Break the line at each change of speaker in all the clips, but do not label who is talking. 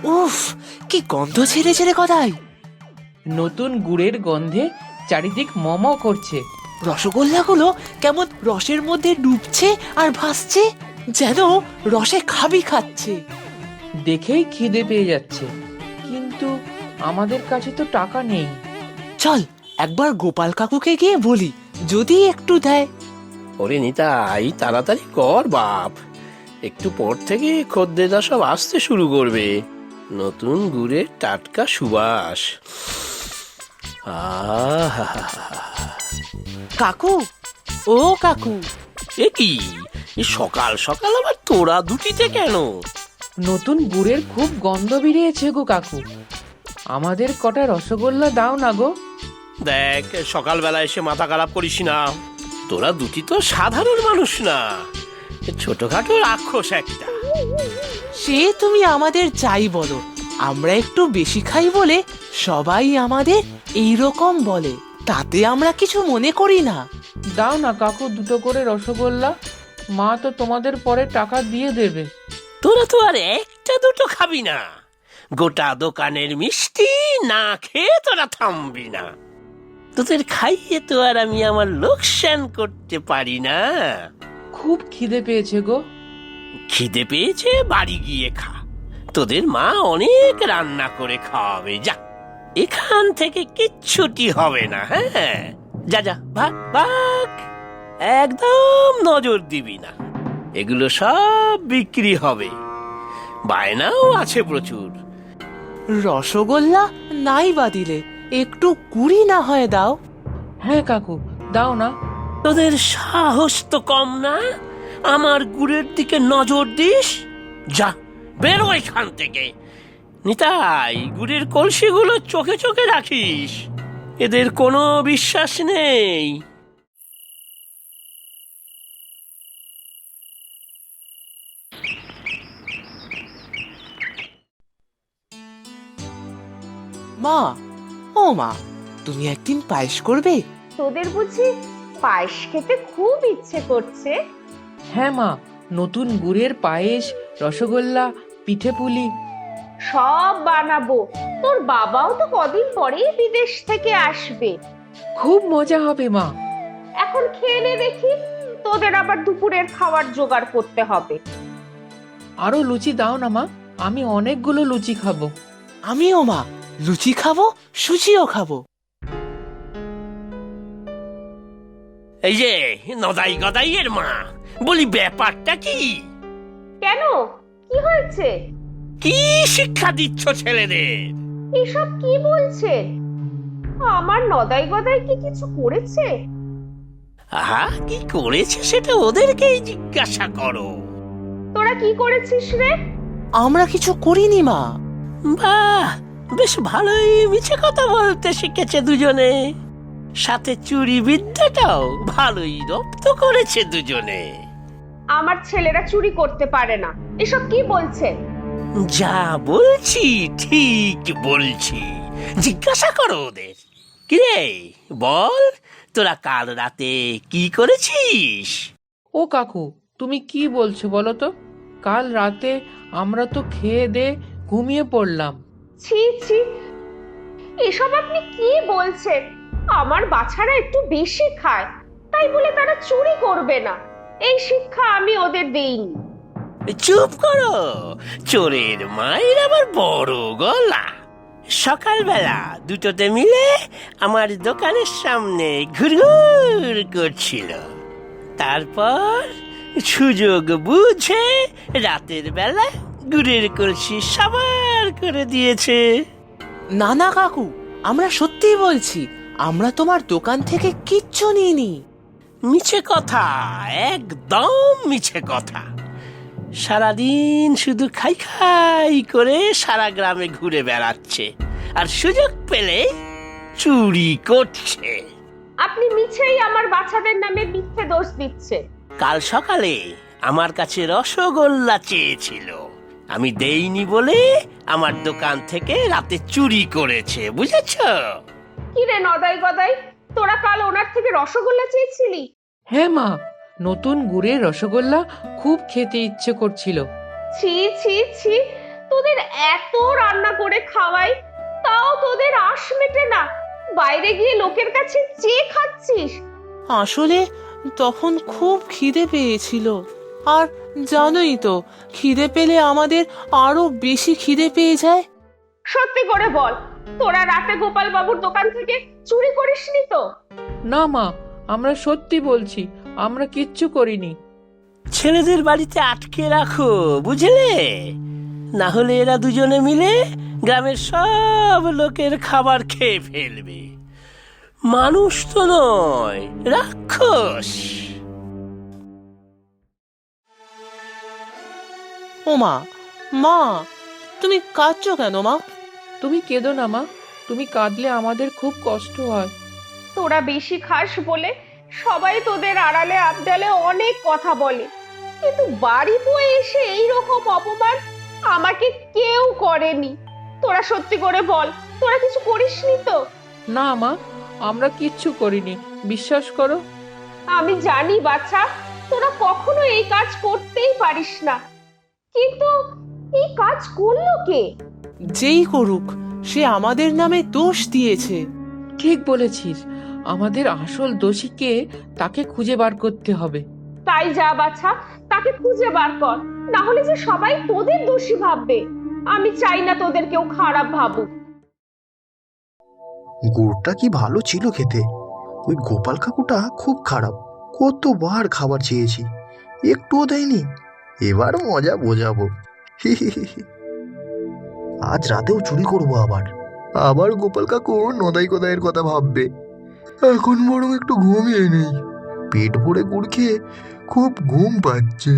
উফ, কি গন্ধ ছেড়েছে রে গদাই।
নতুন গুড়ের গন্ধে চারিদিক মম করছে।
রসগোল্লাগুলো কেমন রসের মধ্যে ডুবছে আর ভাসছে, যেন রসে খাবি খাচ্ছে।
দেখেই খিদে পেয়ে যাচ্ছে, কিন্তু আমাদের কাছে তো টাকা নেই।
চল একবার গোপাল কাকুকে গিয়ে বলি, যদি একটু দেয়।
ওরে নিতাই, তাড়াতাড়ি কর বাপ, একটু পর থেকে খদ্দেররা সব আসতে শুরু করবে। নতুন গুড়ের টাটকা সুবাস। আহা,
কাকু, ও কাকু।
এ কি, এ সকাল সকাল আবার তোরা দুটিতে কেন?
নতুন গুড়ের খুব গন্ধ বেরিয়েছে গো কাকু, আমাদের কটা রসগোল্লা দাও না গো।
দেখ, সকালবেলা এসে মাথা খারাপ করিস না। তোরা দুটি তো সাধারণ মানুষ না, ছোটখাটো রাক্ষস একটা।
সে তুমি আমাদের চাই বলো, আমরা একটু বেশি খাই বলে সবাই আমাদের এইরকম বলে, তাতে আমরা কিছু মনে করি না।
দাও না কাকু দুটো করে রসগোল্লা, মা তো তোমাদের পরে টাকা দিয়ে দেবে।
তোরা তো আর একটা দুটো খাবি না, গোটা দোকানের মিষ্টি না খেয়ে তোরা থামবি না। তোদের খাইয়ে তো আর আমি আমার লোকসান করতে পারি না।
খুব খিদে পেয়েছে গো।
খিদে পেয়েছে, বাড়ি গিয়ে খা, তোদের মা অনেক রান্না করে খাওয়াবে। যা, এখান থেকে কিচ্ছুটি হবে না। হ্যাঁ, যা যা, ভাগ ভাগ, একদম নজর দিবি না। এগুলো সব বিক্রি হবে, বায়নাও আছে প্রচুর।
রসগোল্লা নাই বা দিলে একটু কুড়ি না হয় দাও।
হ্যাঁ কাকু, দাও না।
তোদের সাহস তো কম না, আমার গুড়ের দিকে নজর দিস। যা, বেরো এখান থেকে। নিতাই, গুড়ের কলসিগুলো চোখে চোখে রাখিস, এদের কোনো বিশ্বাস নেই।
মা, ও মা, তুমি একদিন পায়েস করবে?
তোদের বুঝি পায়েস খেতে খুব ইচ্ছে করছে?
হ্যাঁ মা, নতুন গুড়ের পায়েস, রসগোল্লা, পিঠে পুলি
সব বানাবো। তোর বাবাও তো কদিন পরেই বিদেশ থেকে আসবে।
খুব মজা হবে মা।
এখন খেয়ে নে দেখি, তোদের আবার দুপুরের খাবার জোগাড় করতে হবে।
আরো লুচি দাও না মা, আমি অনেকগুলো লুচি খাবো।
আমিও মা, লুচি খাবো, সুজিও খাবো।
এই যে নদাই গদাইয়ের মা, বলি ব্যাপারটা কি?
কেন, কি হয়েছে?
কি শিক্ষা দিচ্ছ ছেলেদের?
এসব কি বলছে? আমার নদাই গদাই কি কিছু করেছে?
আহা, কি করেছে সেটা ওদেরকেই জিজ্ঞাসা করো।
তোরা কি করেছিস রে?
আমরা কিছু করিনি মা।
বাহ, বেশ ভালোই মিছে কথা বলতে শিখেছে দুজনে, সাথে চুরি বিদ্যাটাও ভালোই রপ্ত করেছে দুজনে।
আমার ছেলেরা চুরি করতে পারে না। এসব কি বলছে?
যা বলছি ঠিক বলছি, জিজ্ঞাসা করো ওদের। কিরে বল, তোরা কাল রাতে কি করেছিস?
ও কাকু, তুমি কি বলছো বলো তো? কাল রাতে আমরা তো খেয়ে দে ঘুমিয়ে পড়লাম।
ছি ছি, এসব আপনি কি বলছেন? আমার বাছারা একটু বেশি খায়, তাই বলে তারা চুরি করবে না, এই শিক্ষা আমি ওদের দেইনি।
চুপ করো, চোরের মায়ের আবার বড় গলা। সকালবেলা দুটোতে মিলে আমার দোকানের সামনে ঘুরঘুর করছিল, তারপর সুযোগ বুঝে রাতের বেলা গুড়ের কলসি সাবার করে দিয়েছে।
না না কাকু, আমরা সত্যিই বলছি, আমরা তোমার দোকান থেকে কিচ্ছু নিইনি।
মিছে কথা, একদম মিছে কথা। সারাদিন শুধু খাই খাই করে সারা গ্রামে ঘুরে বেড়াচ্ছে, আর সুযোগ পেলে চুরি করছে।
আপনি মিছেই আমার বাচ্চাদের নামে মিথ্যে দোষ দিচ্ছেন।
কাল সকালে আমার কাছে রসগোল্লা চেয়েছিল, আমি দেইনি বলে আমার দোকান থেকে রাতে চুরি করেছে, বুঝেছ?
কি রে নদাই গদাই, তোরা কাল ওনার থেকে রসগোল্লা চেয়েছিলি?
হ্যাঁ মা, নতুন গুড়ের রসগোল্লা খুব খেতে ইচ্ছে করছিল।
ছি ছি ছি, তোদের এত রান্না করে খাওয়াই, তাও তোদের আশ মেটে না। বাইরে গিয়ে লোকের কাছে চেয়ে খাচ্ছিস।
আসলে তখন খুব খিদে পেয়েছিল, আর জানোই তো খিদে পেলে আমাদের আরো বেশি খিদে পেয়ে যায়।
সত্যি করে বল, তোরা রাতে গোপাল বাবুর দোকান থেকে চুরি করিসনি তো?
না মা, আমরা সত্যি বলছি, আমরা কিচ্ছু করিনি।
ছেলেদের বাড়িতে আটকে রাখো, বুঝলে? না হলে এরা দুজনে মিলে গ্রামের সব লোকের খাবার খেয়ে ফেলবে। মানুষ তো নয়, রাক্ষস।
ও মা, মা তুমি কাঁদছো কেন মা?
তুমি কেঁদো না মা, তুমি কাঁদলে আমাদের খুব কষ্ট হয়।
তোরা বেশি খাস বলে সবাই তোদের আড়ালে আবডালে অনেক কথা বলে, কিন্তু বাড়ি বয়ে এসে এইরকম অপমান আমাকে কেউ করেনি। তোরা সত্যি করে বল, তোরা কিছু করিসনি তো?
না মা, আমরা কিচ্ছু করিনি, বিশ্বাস করো।
আমি জানি বাচ্চা, তোরা কখনো এই কাজ করতেই পারিস না, কিন্তু এই কাজ করলো কে?
যেই করুক, সে আমাদের নামে দোষ দিয়েছে।
ঠিক বলেছিস, আমাদের আসল দোষী কে তাকে খুঁজে বার করতে হবে।
তাই যা বাচ্চা, তাকে খুঁজে বার কর, না হলে যে সবাই তোদের দোষী ভাববে। আমি চাই না তোদের কেউ খারাপ ভাবুক।
গুড়টা কি ভালো ছিল খেতে। ওই গোপাল কাকুটা খুব খারাপ, কতবার খাবার চেয়েছি, একটুও দেয়নি। এবার মজা বোঝাবো। আজ রাতেও চুরি করবো আবার। আবার গোপাল কাকু নদাই কোদাইয়ের কথা ভাববে। এখন বরং একটু ঘুমিয়ে নেই, পেট ভরে গুড় খেয়ে খুব ঘুম পাচ্ছে।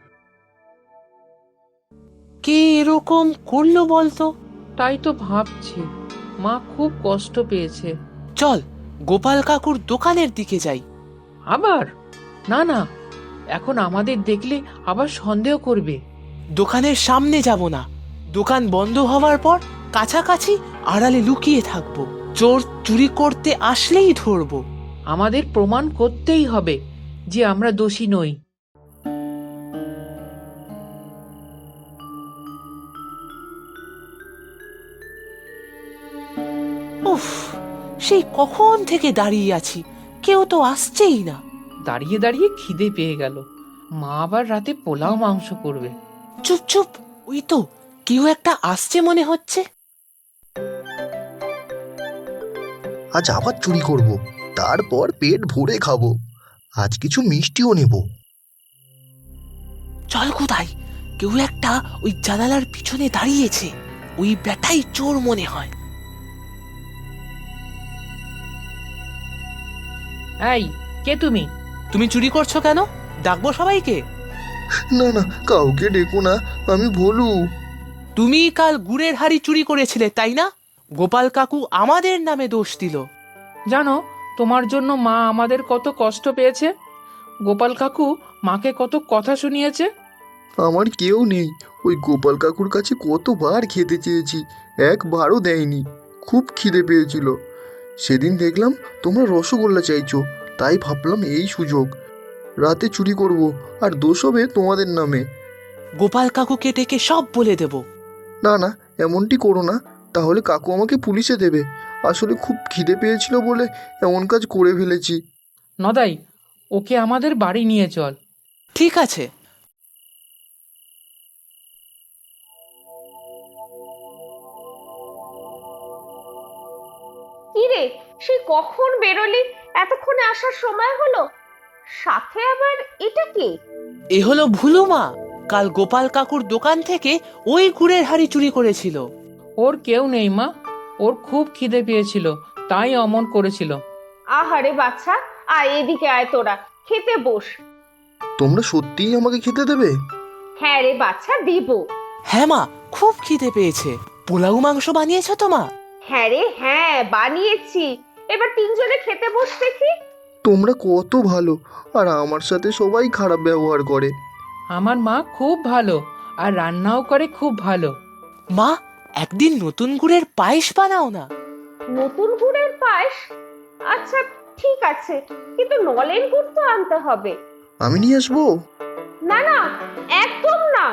কে এরকম করলো বলতো?
তাই তো ভাবছি, মা খুব কষ্ট পেয়েছে।
চল গোপাল কাকুর দোকানের দিকে যাই।
আবার? না না, এখন আমাদের দেখলে আবার সন্দেহ করবে।
দোকানের সামনে যাব না, দোকান বন্ধ হওয়ার পর কাছাকাছি আড়ালে লুকিয়ে থাকবো। চোর চুরি করতে আসলেই ধরবো।
আমাদের প্রমাণ করতেই হবে যে আমরা দোষী নই।
উফ, সেই কখন থেকে দাঁড়িয়ে আছি, কেউ তো আসছেই না।
দাঁড়িয়ে দাঁড়িয়ে খিদে পেয়ে গেল, মা আবার রাতে পোলাও মাংস করবে।
চুপ চুপ, ওই তো কেউ একটা আসছে মনে হচ্ছে।
আজ আবার চুরি করব, তারপর পেট ভরে খাবো। আজ কিছু মিষ্টিও নেব।
চল কোথায়, কেউ একটা ওই জানালার পিছনে দাঁড়িয়েছে। ওই ব্যাটাই চোর মনে হয়।
এই, কে তুমি?
তুমি চুরি করছো কেন? ডাকবো সবাইকে?
না না, কাউকে ডেকো না, আমি ভোলু।
তুমি কাল গুড়ের হাড়ি চুরি করেছিলে তাই না? গোপাল কাকু আমাদের নামে দোষ দিল।
জানো, তোমার জন্য মা আমাদের কত কষ্ট পেয়েছে। গোপাল কাকু মাকে কত কথা শুনিয়েছে।
আমার কেউ নেই। ওই গোপাল কাকুর কাছে কতবার খেতে চেয়েছি, একবারও দেয়নি। খুব খিদে পেয়েছিল। সেদিন দেখলাম তোমরা রসগোল্লা চাইছো, তাই ভাবলাম এই সুযোগ রাতে চুরি করব, আর দোষ হবে তোমাদের নামে।
গোপাল কাকুকে ডেকে সব বলে দেব।
না না, এমনটি করো না, তাহলে কাকু আমাকে পুলিশে দেবে। আসলে খুব খিদে পেয়েছিল বলে এমন কাজ করে ফেলেছি।
নদাই, ওকে আমাদের বাড়ি নিয়ে চল।
ঠিক আছে।
কি রে, সে কখন বেরোলি? এতক্ষণে আসার সময় হলো। সাথে আবার এটা কে?
এ হলো ভুলু মা, কাল গোপাল কাকুর দোকান থেকে ওই গুড়ের হাড়ি চুরি করেছিল।
ওর কেউ নেই মা, ওর খুব খিদে পেয়েছিল, তাই অমন করেছিল।
আহারে বাচ্চা, আয় এদিকে আয়, তোরা খেতে বস।
তোমরা সত্যিই আমাকে খেতে দেবে?
হ্যাঁ রে বাচ্চা, দিব।
হ্যাঁ মা, খুব খিদে পেয়েছে। পোলাও মাংস বানিয়েছো তো মা?
হ্যাঁ রে হ্যাঁ, বানিয়েছি। এবার তিনজনে খেতে বস দেখি।
তোমরা কত ভালো, আর আমার সাথে সবাই খারাপ ব্যবহার করে।
আমার মা খুব ভালো, আর রান্নাও করে খুব ভালো।
মা, একদিন নতুন গুড়ের পায়েস বানাও না।
নতুন গুড়ের পায়েস? আচ্ছা ঠিক আছে, কিন্তু নলেন গুড় তো আনতে হবে।
আমি নিয়ে আসবো।
না না, একদম না।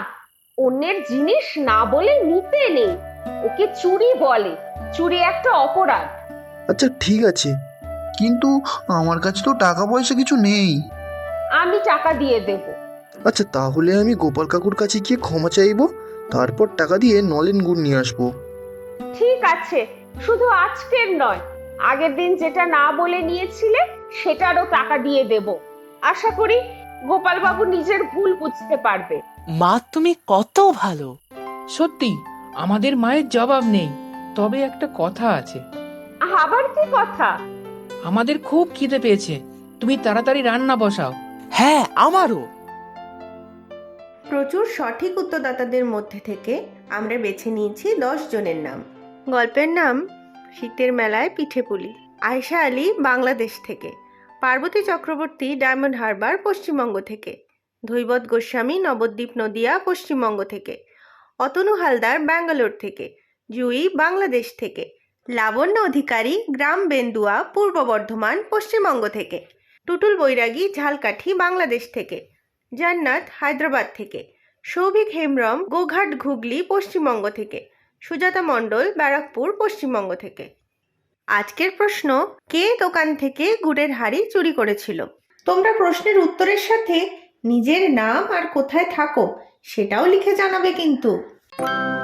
অন্যের জিনিস না বলে নিতে নেই, ওকে চুরি বলে। চুরি একটা অপরাধ।
আচ্ছা ঠিক আছে, কিন্তু আমার কাছে তো টাকা পয়সা কিছু নেই।
আমি টাকা দিয়ে দেব।
আচ্ছা তাহলে আমি গোপাল কাকুর কাছে গিয়ে ক্ষমা চাইবো, তারপর টাকা দিয়ে নলেন গুড় নিয়ে আসবো।
ঠিক আছে, শুধু আজকের নয়, আগের দিন যেটা না বলে নিয়েছিলে সেটারও টাকা দিয়ে দেব। আশা করি গোপালবাবু নিজের ভুল বুঝতে পারবে।
মা তুমি কত ভালো।
সত্যি আমাদের মায়ের জবাব নেই। তবে একটা কথা আছে,
আবার কি কথা?
আমাদের খুব খিদে পেয়েছে, তুমি তাড়াতাড়ি রান্না বসাও।
হ্যাঁ আমারও।
প্রচুর সঠিক উত্তরদাতাদের মধ্যে থেকে আমরা বেছে নিয়েছি 10 জনের নাম। গল্পের নাম শীতের মেলায় পিঠেপুলি। আয়শা আলী বাংলাদেশ থেকে, পার্বতী চক্রবর্তী ডায়মন্ড হারবার পশ্চিমবঙ্গ থেকে, ধৈবত গোস্বামী নবদ্বীপ নদিয়া পশ্চিমবঙ্গ থেকে, অতনু হালদার ব্যাঙ্গালোর থেকে, জুই বাংলাদেশ থেকে, লাবণ্য অধিকারী গ্রাম বেন্দুয়া পূর্ব বর্ধমান পশ্চিমবঙ্গ থেকে, টুটুল বৈরাগী ঝালকাঠি বাংলাদেশ থেকে, জান্নাত হায়দ্রাবাদ থেকে, সৌভিক হেমব্রম গোঘাট ঘুগলি পশ্চিমবঙ্গ থেকে, সুজাতা মণ্ডল ব্যারাকপুর পশ্চিমবঙ্গ থেকে। আজকের প্রশ্ন, কে দোকান থেকে গুড়ের হাঁড়ি চুরি করেছিল? তোমরা প্রশ্নের উত্তরের সাথে নিজের নাম আর কোথায় থাকো সেটাও লিখে জানাবে কিন্তু।